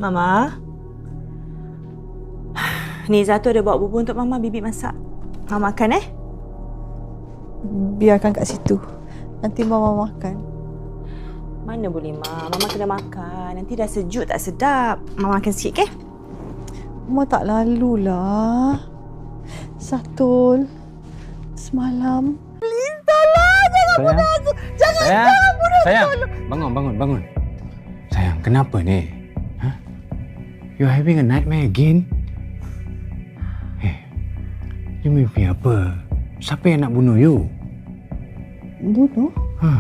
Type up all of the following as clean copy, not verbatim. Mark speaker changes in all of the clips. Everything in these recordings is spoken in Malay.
Speaker 1: Mama. Niza tu ada bawa bubur untuk Mama, Bibi masak. Mama makan
Speaker 2: Biarkan kat situ. Nanti Mama makan.
Speaker 1: Mana boleh, Ma. Mama kena makan. Nanti dah sejuk tak sedap. Mama makan sikit,
Speaker 2: Mama tak lalulah. Satul. Semalam. Please, tolong. Jangan bunuh aku. Jangan bunuh aku.
Speaker 3: Sayang, bangun. Sayang, kenapa ni? Huh? You having a nightmare again? You mimpi apa? Siapa yang nak bunuh you?
Speaker 2: Bunuh?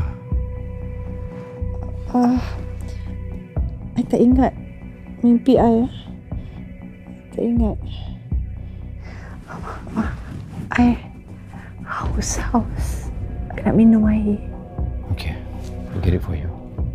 Speaker 2: I tak ingat mimpi I. Tak ingat. I haus. I nak minum air.
Speaker 3: Okay, I'll get it for you.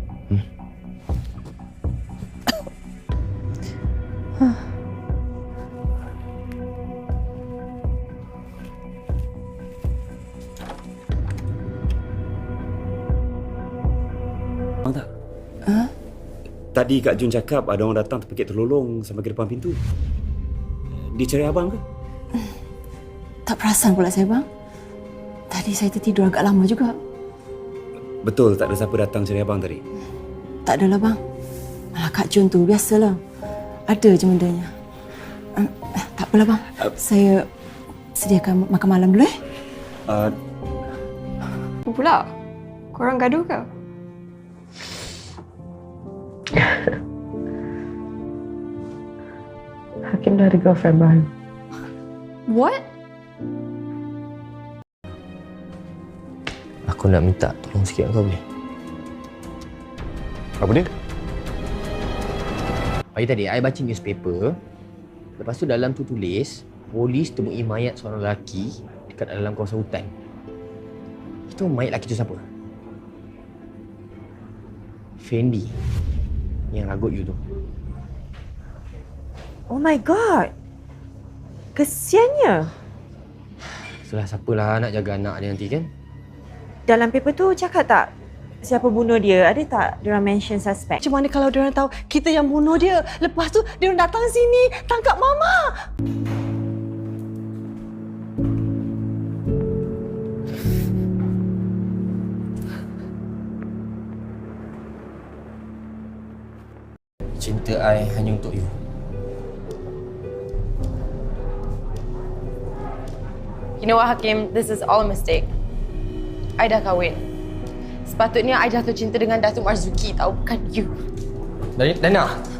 Speaker 4: Tak? Tadi Kak Jun cakap ada orang datang terpekik terlolong sampai ke depan pintu. Dia cari abang ke?
Speaker 5: Tak perasan pula saya, bang. Tadi saya tertidur agak lama juga.
Speaker 4: Betul tak ada siapa datang cari abang tadi?
Speaker 5: Tak adalah, bang. Malah Kak Jun tu, biasalah. Ada je bendanya. Tak apalah, bang. Saya sediakan makan malam dulu,
Speaker 6: Apa pula? Korang gaduh ke?
Speaker 2: Hakim dah ada girlfriend baru.
Speaker 6: What?
Speaker 7: Aku nak minta tolong sikit kau boleh?
Speaker 3: Apa dia?
Speaker 7: Pagi tadi, I baca newspaper. Lepas tu dalam tu tulis, polis temui mayat seorang lelaki dekat dalam kawasan hutan. Itu mayat lelaki tu siapa? Fendi. Yang ragut you tu.
Speaker 1: Oh my God. Kesiannya.
Speaker 7: Itulah siapalah nak jaga anak dia nanti kan?
Speaker 1: Dalam paper tu cakap tak siapa bunuh dia? Ada tak diorang mention suspect?
Speaker 2: Macam mana kalau diorang tahu kita yang bunuh dia? Lepas tu diorang datang sini tangkap Mama.
Speaker 7: Cinta I hanya untuk you.
Speaker 6: You know what, Hakim? This is all a mistake. I dah kahwin. Sepatutnya I jatuh cinta dengan Datuk Marzuki tau, bukan you.
Speaker 7: Dana,